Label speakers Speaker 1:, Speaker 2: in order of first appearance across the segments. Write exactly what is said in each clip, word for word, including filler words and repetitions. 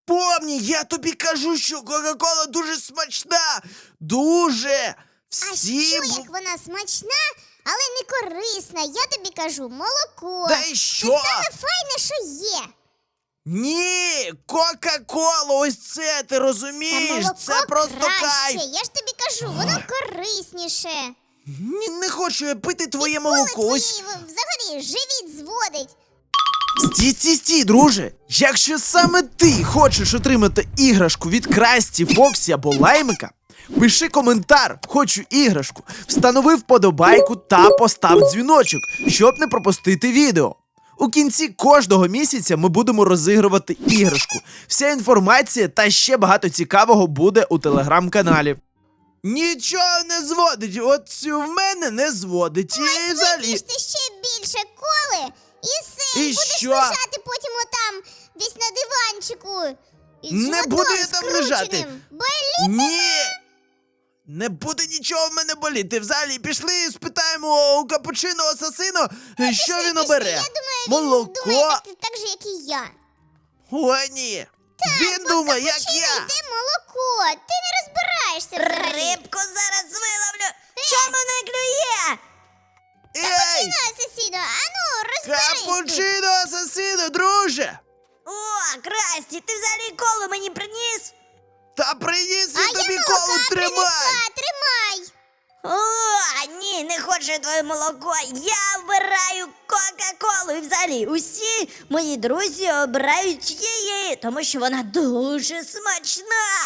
Speaker 1: Помні, я тобі кажу, що Кока-Кола дуже смачна. Дуже.
Speaker 2: А
Speaker 1: Всі...
Speaker 2: що,
Speaker 1: б-
Speaker 2: як вона смачна, але не корисна? Я тобі кажу, молоко.
Speaker 1: Та й
Speaker 2: Це
Speaker 1: що?
Speaker 2: саме файне, що є.
Speaker 1: Ні, Кока-Кола, ось це, ти
Speaker 2: Та
Speaker 1: розумієш?
Speaker 2: молоко
Speaker 1: Це просто
Speaker 2: краще.
Speaker 1: кайф.
Speaker 2: Я ж тобі кажу, воно корисніше.
Speaker 1: Ні, не хочу я пити твоє
Speaker 2: Коли
Speaker 1: молоко.
Speaker 2: твої
Speaker 1: Ось.
Speaker 2: взагалі живіт зводить.
Speaker 1: Стій, стій, стій, друже. Якщо саме ти хочеш отримати іграшку від Красті, Фоксі або Лаймика, пиши коментар «Хочу іграшку», встанови вподобайку та постав дзвіночок, щоб не пропустити відео. У кінці кожного місяця ми будемо розігрувати іграшку. Вся інформація та ще багато цікавого буде у телеграм-каналі. Нічого не зводить, от цю в мене не зводить. І взагалі...
Speaker 2: Вип'єш ти ще більше коли, і все,
Speaker 1: І
Speaker 2: і будеш
Speaker 1: що?
Speaker 2: лежати потім отам, десь на диванчику. І
Speaker 1: Не
Speaker 2: животом
Speaker 1: буду я там лежати.
Speaker 2: скрученим. Болі?
Speaker 1: Ні! Не буде нічого в мене боліти. Взагалі, пішли, спитаємо у капучино асасино, що
Speaker 2: Пішли,
Speaker 1: він
Speaker 2: пішли.
Speaker 1: обере.
Speaker 2: Я думаю,
Speaker 1: Молоко.
Speaker 2: він думає так, так же, як і я.
Speaker 1: О, ні. він думає, як
Speaker 2: Капучино
Speaker 1: я.
Speaker 2: йде молоко, ти не розбираєшся взагалі.
Speaker 3: Рибку зараз виловлю. Чому не клює?
Speaker 1: Ей!
Speaker 2: Капучино, асасіно, а ну, розберись тут.
Speaker 1: Капучино асасино, друже!
Speaker 3: О, Красті, ти взагалі коло мені приніс?
Speaker 1: Та приніс
Speaker 2: А
Speaker 1: я
Speaker 2: я
Speaker 1: тобі
Speaker 2: молока
Speaker 1: колу, тримай!
Speaker 2: принесла, тримай.
Speaker 3: О, ні, не хочу я твоє молоко. Я обираю Кока-Колу. І взагалі усі мої друзі обирають її, тому що вона дуже смачна.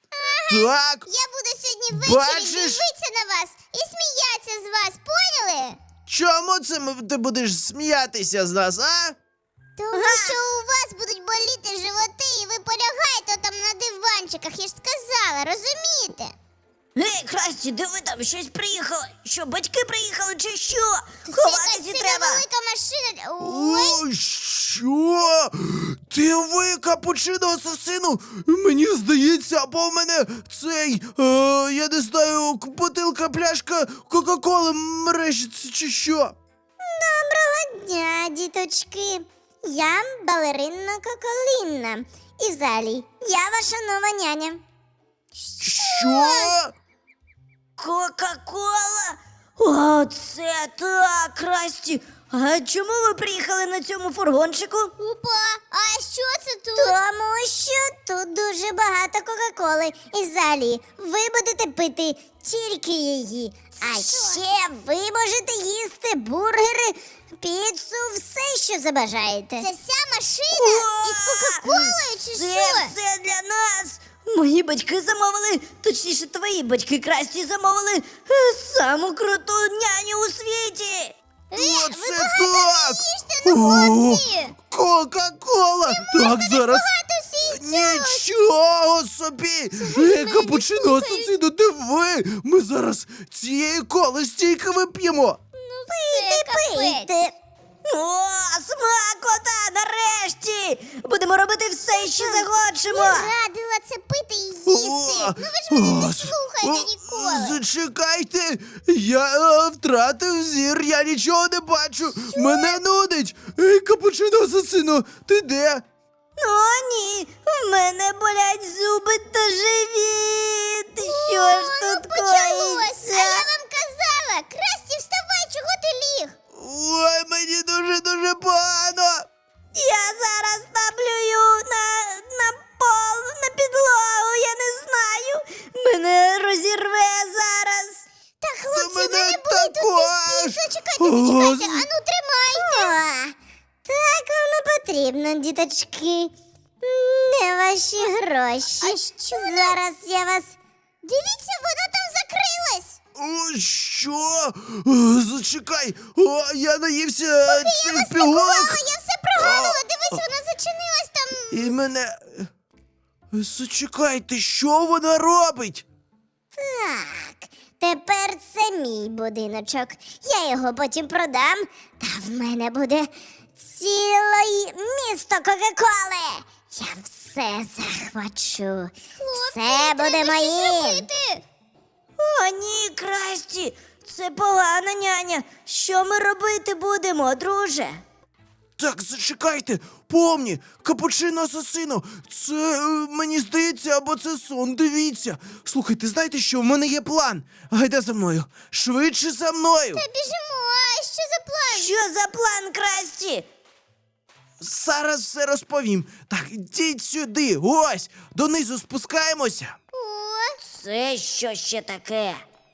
Speaker 1: Так,
Speaker 2: Я буду сьогодні ввечері
Speaker 1: Бачиш?
Speaker 2: дивитися на вас і сміятися з вас, поняли?
Speaker 1: чому це ми- ти будеш сміятися з нас, а?
Speaker 2: Тому що у вас будуть боліти животи, і ви полягаєте там на диванчиках, я ж сказала, розумієте?
Speaker 3: Ей, Красті, диви, там щось приїхало. Що, батьки приїхали чи що?
Speaker 2: Це
Speaker 3: Ховатися
Speaker 2: якась сильно
Speaker 3: треба.
Speaker 2: велика машина. Ой,
Speaker 1: О, що? Ти ви, капучино асасину? Мені здається, або в мене цей, е, я не знаю, к- бутилка, пляшка Кока-Коли мережиться чи що?
Speaker 2: дня, діточки. Я балерина Коколінна. І взагалі, я ваша нова няня.
Speaker 1: Що?
Speaker 3: Кока-Кола? О, це так, Красті. А чому ви приїхали на цьому фургончику?
Speaker 2: Опа, а що це тут?
Speaker 4: Тому що тут дуже багато Кока-Коли. І взагалі, ви будете пити тільки її. А ще ви можете їсти бургери, піцу, все, що забажаєте.
Speaker 2: Це вся машина із Кока-Колою чи
Speaker 3: Це
Speaker 2: що?
Speaker 3: все для нас. Мої батьки замовили, точніше, твої батьки Красті замовили е, саму круту няню у світі.
Speaker 2: Е,
Speaker 1: Оце
Speaker 2: ви
Speaker 1: так!
Speaker 2: багато не їжте, ну
Speaker 1: О,
Speaker 2: хлопці!
Speaker 1: Кока-Кола! Так, зараз.
Speaker 2: Багато всі цього.
Speaker 1: Нічого собі! Е, капучино асасину, диви! Ми зараз цієї коли стільки вип'ємо!
Speaker 2: Пийте,
Speaker 4: Пийте.
Speaker 3: О, смакота, нарешті! Будемо робити все, що захочемо.
Speaker 2: Я радила це пити і їсти.
Speaker 1: О,
Speaker 2: Ну ви ж мене
Speaker 1: о,
Speaker 2: не слухаєте
Speaker 1: о,
Speaker 2: ніколи.
Speaker 1: Зачекайте! Я е, втратив зір, я нічого не бачу! Мене нудить! Ей, капучино асасину, ти де?
Speaker 3: О, ні, в мене болять зуби та живіт. Що ж
Speaker 2: Ну,
Speaker 3: тут
Speaker 2: почалось.
Speaker 3: коїться?
Speaker 2: А я вам казала, Красті, вставай, чого ти ліг?
Speaker 1: Ой, мені дуже-дуже погано!
Speaker 3: Я зараз наплюю на, на пол, на підлогу, я не знаю. Мене розірве зараз.
Speaker 2: Та хлопці,
Speaker 1: мене
Speaker 2: мене були тут
Speaker 1: також.
Speaker 2: без піца. Чекайте,
Speaker 1: О,
Speaker 2: зачекайте.
Speaker 1: з-
Speaker 2: Ану, тримайте.
Speaker 4: О, так воно потрібно, діточки. Не ваші гроші.
Speaker 2: А що?
Speaker 4: Зараз я вас.
Speaker 2: Дивіться, воно там закрилось.
Speaker 1: О, що? О, зачекай! О, я наївся цих пігулок!
Speaker 2: Мама, я все прогадала. Дивись, вона зачинилась там.
Speaker 1: І мене. Зачекайте, що вона робить?
Speaker 4: Так, тепер це мій будиночок. Я його потім продам, та в мене буде ціле місто Кока-Коли. Я все захвачу. Все буде
Speaker 2: Треба щось
Speaker 4: моїм.
Speaker 2: робити.
Speaker 3: О, ні, Красті, це погана няня. Що ми робити будемо, друже?
Speaker 1: Так, зачекайте, помні, капучино асасино, це, е, мені здається, або це сон, дивіться. Слухайте, знаєте що, в мене є план. Гайда за мною, швидше за мною.
Speaker 2: Та біжимо, а що за план?
Speaker 3: Що за план, Красті?
Speaker 1: Зараз все розповім. Так, йдіть сюди, ось, донизу спускаємося.
Speaker 2: О,
Speaker 3: Це що ще таке?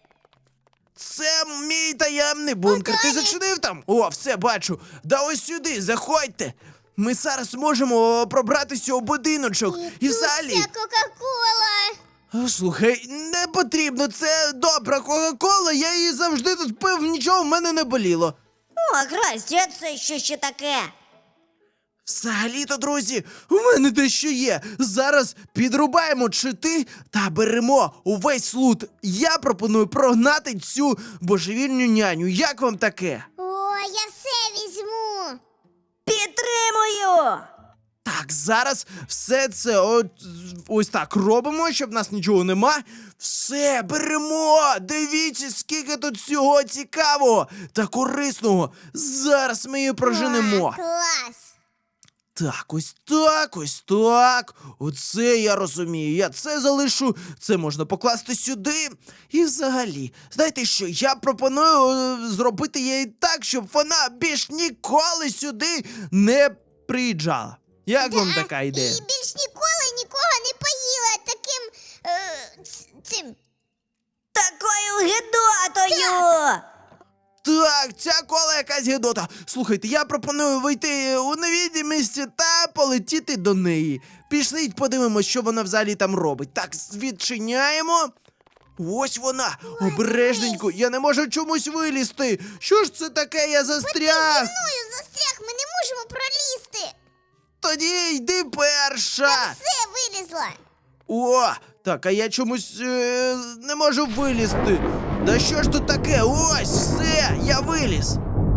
Speaker 1: Це мій таємний бункер. Ти зачинив там? О, все бачу. Да ось сюди, заходьте. Ми зараз можемо пробратися у будиночок. І
Speaker 2: тут
Speaker 1: взагалі.
Speaker 2: ця Кока-Кола.
Speaker 1: А, Слухай, не потрібно, це добра Кока-Кола, я її завжди тут пив, нічого в мене не боліло.
Speaker 3: О, Красті, а це що ще таке?
Speaker 1: Взагалі-то, друзі, у мене дещо є. Зараз підрубаємо чити та беремо увесь лут. Я пропоную прогнати цю божевільню няню. Як вам таке?
Speaker 2: О, я все візьму.
Speaker 3: Підтримую!
Speaker 1: Так, зараз все це от, ось так робимо, щоб в нас нічого нема. Все, беремо! Дивіться, скільки тут всього цікавого та корисного. Зараз ми її проженемо.
Speaker 2: А, клас.
Speaker 1: Так, ось так, ось так. Оце я розумію. Я це залишу, це можна покласти сюди. І взагалі, знаєте що, я пропоную е, зробити її так, щоб вона більш ніколи сюди не приїжджала. Як вам така ідея?
Speaker 2: І більш ніколи нікого не поїла таким е, ц- цим.
Speaker 3: Такою гидотою!
Speaker 1: Так, ця кола якась гидота. Слухайте, я пропоную вийти у невідомість та полетіти до неї. Пішли, подивимось, що вона взагалі там робить. Так, відчиняємо. Ось вона, обережненько, я не можу чомусь вилізти. Що ж це таке, я застряг?
Speaker 2: Мною застряг, ми не можемо пролізти.
Speaker 1: Тоді йди перша.
Speaker 2: Все, вилізла.
Speaker 1: О, так, а я чомусь е, не можу вилізти. Да що ж тут таке? Ось, все, я виліз.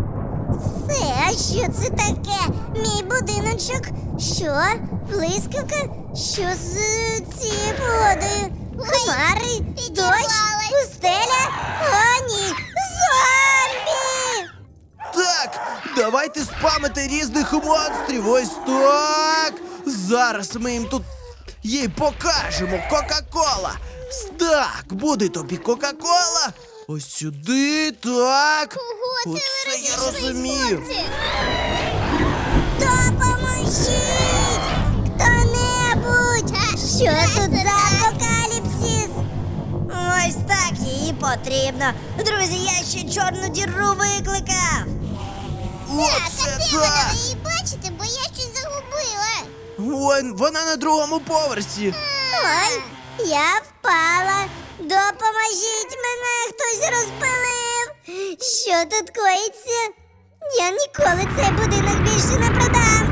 Speaker 4: Це, а що це таке? Мій будиночок? Що? Блискавка? Що з е, цією погодою? Хмари? Дощ?
Speaker 2: підірвалась.
Speaker 4: Пустеля? О, ні! Зомбі!
Speaker 1: Так, давайте спамити різних монстрів. Ось так. Зараз ми їм тут їй покажемо. Кока-кола. Так, буде тобі Кока-кола. Ось сюди, так.
Speaker 2: Ого, це ви
Speaker 1: Оце я
Speaker 2: розійшлись,
Speaker 1: розумію.
Speaker 2: хлопці.
Speaker 4: Допоможіть! Хто-небудь! Що тут за апокаліпсис?
Speaker 3: Ось так їй потрібно. Друзі, я ще чорну діру викликав.
Speaker 1: Оце
Speaker 2: А де вона?
Speaker 1: так.
Speaker 2: Ви її бачите, бо я щось загубила.
Speaker 1: Вон, вона на другому поверсі.
Speaker 4: Ой, я впала. Допоможіть, мене хтось розпилив. Що тут коїться? Я ніколи цей будинок більше не продам.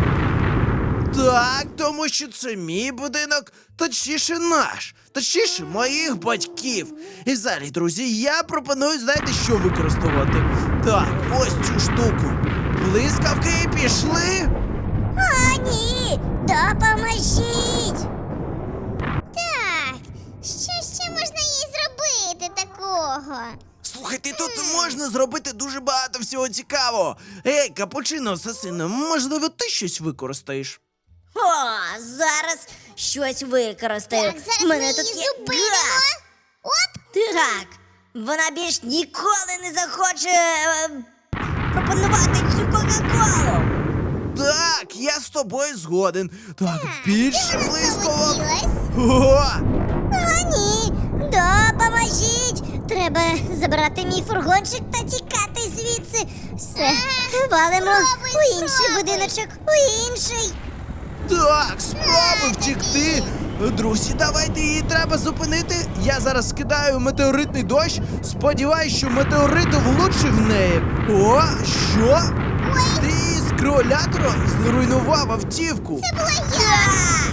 Speaker 1: Так, тому що це мій будинок, точніше наш, точніше моїх батьків. І взагалі, друзі, я пропоную, знаєте, що використовувати? Так, ось цю штуку. Блискавки пішли.
Speaker 4: О, ні! Допоможіть!
Speaker 2: Так, що ще можна їй зробити такого?
Speaker 1: Слухайте, тут можна зробити дуже багато всього цікавого. Ей, капучино асасино, можливо, ти щось використаєш?
Speaker 3: О, зараз щось використаю.
Speaker 2: Так, зараз
Speaker 3: У мене
Speaker 2: ми
Speaker 3: тут
Speaker 2: її
Speaker 3: є
Speaker 2: зупинимо.
Speaker 3: газ.
Speaker 2: Оп!
Speaker 3: Так, вона більш ніколи не захоче е, пропонувати цю Кока-Колу.
Speaker 1: Так, я з тобою згоден. Так, більше
Speaker 2: Вона
Speaker 1: близького.
Speaker 2: залетілась.
Speaker 1: О!
Speaker 4: О, ні! Допоможіть! Треба забрати мій фургончик та тікати звідси. Все, валимо
Speaker 2: спробуй,
Speaker 4: у інший
Speaker 2: спробуй.
Speaker 4: будиночок, у інший.
Speaker 1: Так, спробуй втікти. Друзі, давайте її треба зупинити. Я зараз скидаю метеоритний дощ. Сподіваюсь, що метеорит влучив в неї. О, що? Ти з кролятора зруйнував автівку.
Speaker 2: Це була я.
Speaker 3: Так,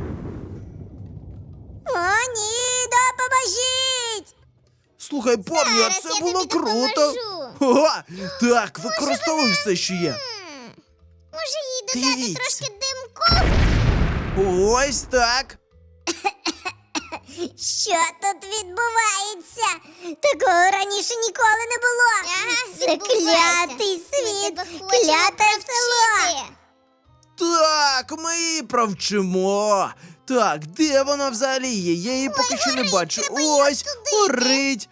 Speaker 4: О, ні, допоможіть!
Speaker 1: Слухай, помню,
Speaker 2: Зараз
Speaker 1: це
Speaker 2: я
Speaker 1: було
Speaker 2: тобі
Speaker 1: круто.
Speaker 2: допоможу.
Speaker 1: О, так, використовуй все, що є.
Speaker 2: М, Може їй додати
Speaker 1: Дивіться.
Speaker 2: трошки димку?
Speaker 1: Ось так.
Speaker 4: Що тут відбувається? Такого раніше ніколи не було.
Speaker 2: Ага,
Speaker 4: Це
Speaker 2: відбувається.
Speaker 4: клятий
Speaker 2: Ми
Speaker 4: світ,
Speaker 2: тебе хочемо
Speaker 4: кляте село.
Speaker 2: навчити.
Speaker 1: Так, ми її провчимо. Так, де вона взагалі є? Я її поки що не
Speaker 2: горить,
Speaker 1: бачу.
Speaker 2: треба її
Speaker 1: Ось,
Speaker 2: остудити.
Speaker 1: горить.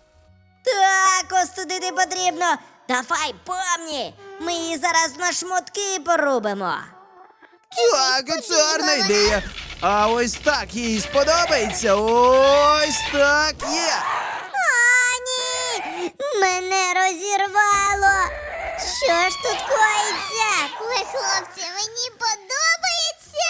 Speaker 3: Так, остудити потрібно. Давай, помні, ми її зараз на шмотки порубимо.
Speaker 1: Так, це гарна ідея. А ось так їй сподобається. Ось так є.
Speaker 4: О, ні! Мене розірвало! Що ж тут коїться?
Speaker 2: Ой, хлопці, мені подобається.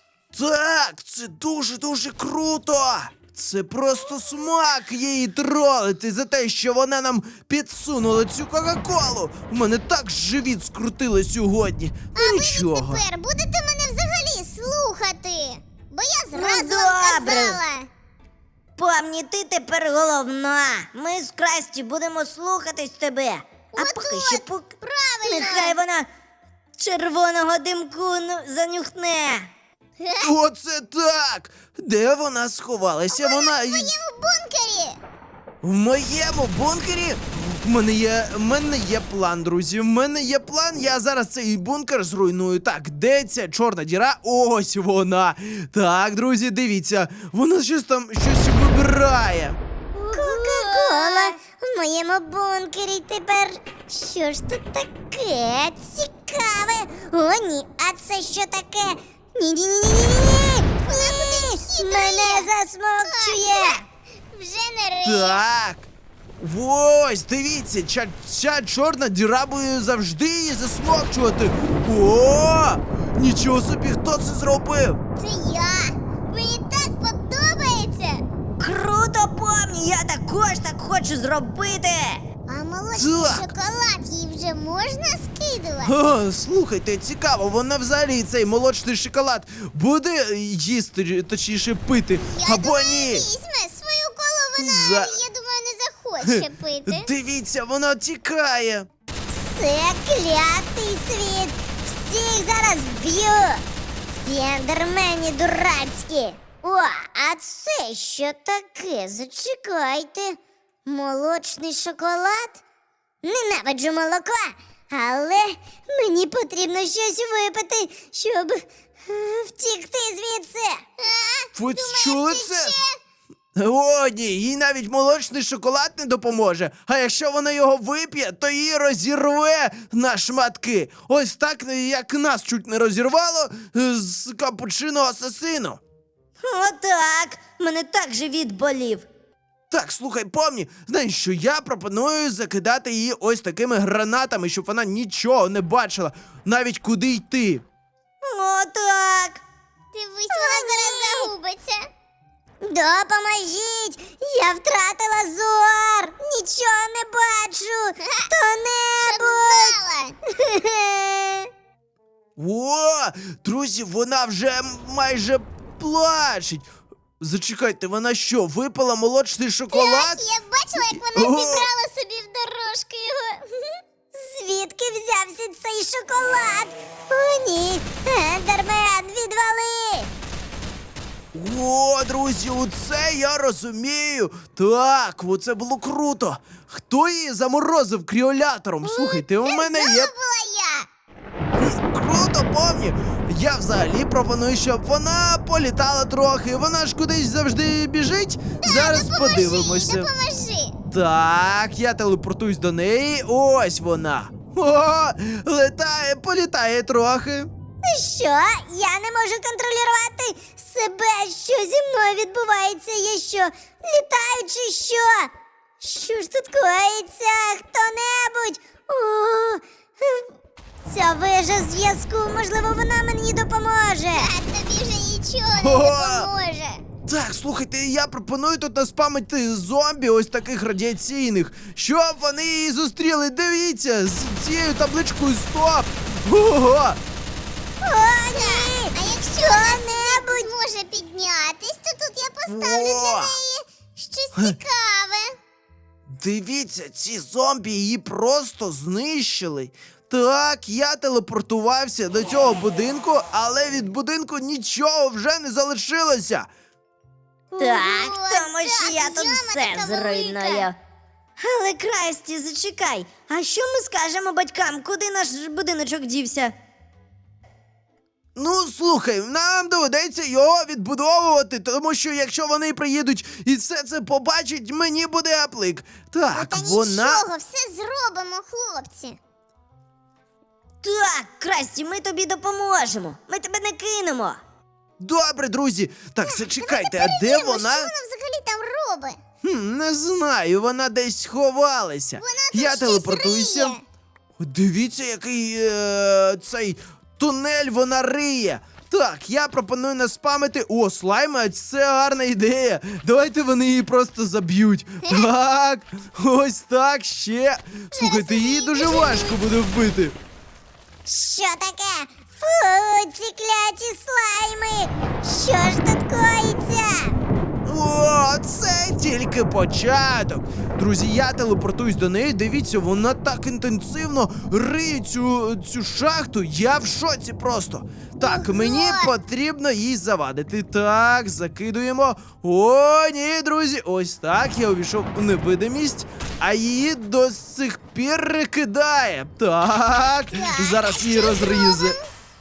Speaker 1: Так, це дуже-дуже круто. Це просто смак її тролити за те, що вона нам підсунула цю Кока-Колу. У мене так живіт скрутило сьогодні. Ну нічого.
Speaker 2: Тепер будете мене взагалі слухати. Бо я зразу
Speaker 3: Ну,
Speaker 2: вам
Speaker 3: добре.
Speaker 2: казала.
Speaker 3: Помні, ти тепер головна. Ми з Красті будемо слухатись тебе. А
Speaker 2: От-от,
Speaker 3: поки що пук...
Speaker 2: правильно.
Speaker 3: Нехай вона червоного димку ну, занюхне.
Speaker 1: Оце так! Де вона сховалася? Вона
Speaker 2: В моєму бункері.
Speaker 1: в моєму бункері. В мене є, в мене є план, друзі. В мене є план. Я зараз цей бункер зруйную. Так, де ця чорна діра? Ось вона. Так, друзі, дивіться. Вона щось там щось вибирає.
Speaker 4: Кока-кола в моєму бункері тепер. Що ж тут таке цікаве? О, ні, а це що таке? Ні-ні-ні-ні-ні! Ні! Мене засмокчує!
Speaker 2: Вже не риє.
Speaker 1: Так. Ось, дивіться, ця, ця чорна діра буде завжди її засмокчувати. О! Нічого собі, хто це зробив?
Speaker 2: Це я. Мені так подобається.
Speaker 3: Круто, помні, я також так хочу зробити.
Speaker 2: А молочний
Speaker 1: Так.
Speaker 2: шоколад їй вже можна скидувати?
Speaker 1: О, слухайте, цікаво, вона взагалі цей молочний шоколад буде їсти, точніше пити,
Speaker 2: Я
Speaker 1: або
Speaker 2: думаю,
Speaker 1: ні.
Speaker 2: візьме свою колу, вона,
Speaker 1: За-
Speaker 2: я думаю, не захоче пити.
Speaker 1: Дивіться, вона тікає.
Speaker 4: Це клятий світ! Всіх зараз вб'ю! Сендермені дурацькі! О, а це що таке? Зачекайте. Молочний шоколад? Ненавиджу молоко, але мені потрібно щось випити, щоб е, втікти звідси.
Speaker 2: А?
Speaker 1: Ви
Speaker 2: Думаєш,
Speaker 1: чули
Speaker 2: ти
Speaker 1: це?
Speaker 2: ще?
Speaker 1: О, ні, їй навіть молочний шоколад не допоможе. А якщо вона його вип'є, то її розірве на шматки. Ось так, як нас чуть не розірвало е, з капучино асасину.
Speaker 3: Отак. Мене так живіт болів.
Speaker 1: Так, слухай, помні, знаєш що, я пропоную закидати її ось такими гранатами, щоб вона нічого не бачила, навіть куди йти.
Speaker 3: Отак.
Speaker 2: Дивись, вона зараз загубиться.
Speaker 4: Допоможіть! Я втратила зор! Нічого не бачу!
Speaker 2: Щоб
Speaker 4: Хто-небудь!
Speaker 2: знала.
Speaker 1: О, друзі, вона вже майже плачеть. Зачекайте, вона що, випила молочний шоколад?
Speaker 2: Так, я бачила, як вона
Speaker 1: О!
Speaker 2: зібрала собі в дорожку його.
Speaker 4: Звідки взявся цей шоколад? О, ні! Ендермен, відвали!
Speaker 1: О, друзі, оце я розумію. Так, оце було круто. Хто її заморозив кріолятором? Слухайте, у мене є.
Speaker 2: Це була я.
Speaker 1: Круто, помні. Я взагалі пропоную, щоб вона політала трохи. Вона ж кудись завжди біжить. Зараз
Speaker 2: Допоможи
Speaker 1: подивимося.
Speaker 2: їй, допоможи.
Speaker 1: Так, я телепортуюсь до неї. Ось вона. О, летає, політає трохи.
Speaker 4: Що? Я не можу контролювати себе. Що зі мною відбувається? Я що? Літаю чи що? Що ж тут коїться? Хто-небудь? О, ця вежа зв'язку, можливо, вона мені допоможе.
Speaker 2: А тобі вже нічого не
Speaker 1: О!
Speaker 2: допоможе.
Speaker 1: Так, слухайте, я пропоную тут наспамити зомбі ось таких радіаційних, щоб вони її зустріли. Дивіться, з цією табличкою стоп. Ого!
Speaker 4: О, ні!
Speaker 2: А якщо вона
Speaker 4: Хто-небудь!
Speaker 2: зможе піднятись, то тут я поставлю для
Speaker 1: О!
Speaker 2: неї щось цікаве.
Speaker 1: Дивіться, ці зомбі її просто знищили. Так, я телепортувався до цього будинку, але від будинку нічого вже не залишилося.
Speaker 3: Так,
Speaker 2: Ого,
Speaker 3: тому що
Speaker 2: так,
Speaker 3: я тут
Speaker 2: яма
Speaker 3: все
Speaker 2: така велика.
Speaker 3: зруйную. Але Красті, зачекай, а що ми скажемо батькам, куди наш будиночок дівся?
Speaker 1: Ну, слухай, нам доведеться його відбудовувати, тому що якщо вони приїдуть і все це побачать, мені буде аплик. Так,
Speaker 2: Та
Speaker 1: вона.
Speaker 2: нічого, все зробимо, хлопці.
Speaker 3: Так, Красті, ми тобі допоможемо. Ми тебе не кинемо.
Speaker 1: Добре, друзі. Так, зачекайте, а де
Speaker 2: Перевіримо,
Speaker 1: вона?
Speaker 2: Що вона взагалі там робить?
Speaker 1: Хм, не знаю, вона десь сховалася.
Speaker 2: Вона тут
Speaker 1: Я
Speaker 2: щось
Speaker 1: телепортуюся.
Speaker 2: риє.
Speaker 1: Дивіться, який е, цей тунель вона риє. Так, я пропоную наспамити. О, слайми, це гарна ідея. Давайте вони її просто заб'ють. Так, ось так ще. Слухайте, її дуже важко буде вбити.
Speaker 4: Що таке? Фу, ці кляті слайми! Що ж тут коїться?
Speaker 1: О, це тільки початок. Друзі, я телепортуюсь до неї. Дивіться, вона так інтенсивно риє цю, цю шахту. Я в шоці просто. Так, мені потрібно їй завадити. Так, закидуємо. О, ні, друзі, ось так. Я увійшов у невидимість, а її до сих пір кидає. Так, зараз її розризе.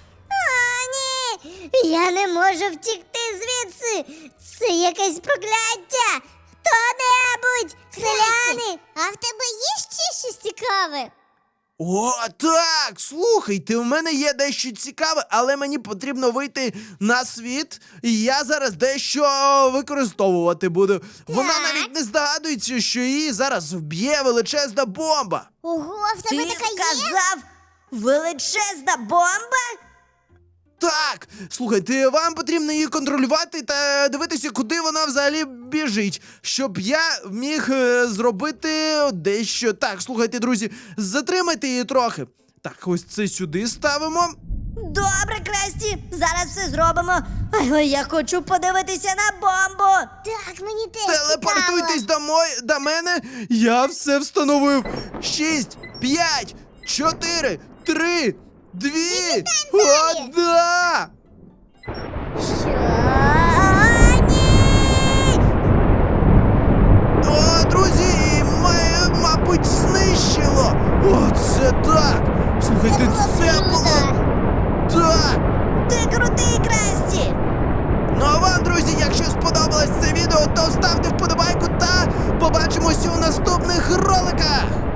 Speaker 4: О, ні! Я не можу втікти звідси! Це якесь прокляття! Хто-небудь! Селяни!
Speaker 2: А в тебе є ще щось цікаве?
Speaker 1: О, так! Слухайте, у мене є дещо цікаве, але мені потрібно вийти на світ, і я зараз дещо використовувати буду. Вона навіть не здогадується, що її зараз вб'є величезна бомба.
Speaker 2: Ого, в тебе
Speaker 3: Ти
Speaker 2: така є?
Speaker 3: сказав величезна бомба?
Speaker 1: Так, слухайте, вам потрібно її контролювати та дивитися, куди вона взагалі біжить, щоб я міг е, зробити дещо. Так, слухайте, друзі, затримайте її трохи. Так, ось це сюди ставимо.
Speaker 3: Добре, Красті, зараз все зробимо. Але я хочу подивитися на бомбу.
Speaker 2: Так, мені теж
Speaker 1: Телепортуйтесь
Speaker 2: цікаво.
Speaker 1: до, мой, до мене. Я все встановив. Шість, п'ять, чотири, три, дві, одна.
Speaker 4: Що? О, ні!
Speaker 1: О, друзі, ма- мабуть, знищило. О, це так. Слухайте, це було. Так.
Speaker 3: Ти крутий, Красті.
Speaker 1: Ну а вам, друзі, якщо сподобалось це відео, то ставте вподобайку та побачимося у наступних роликах.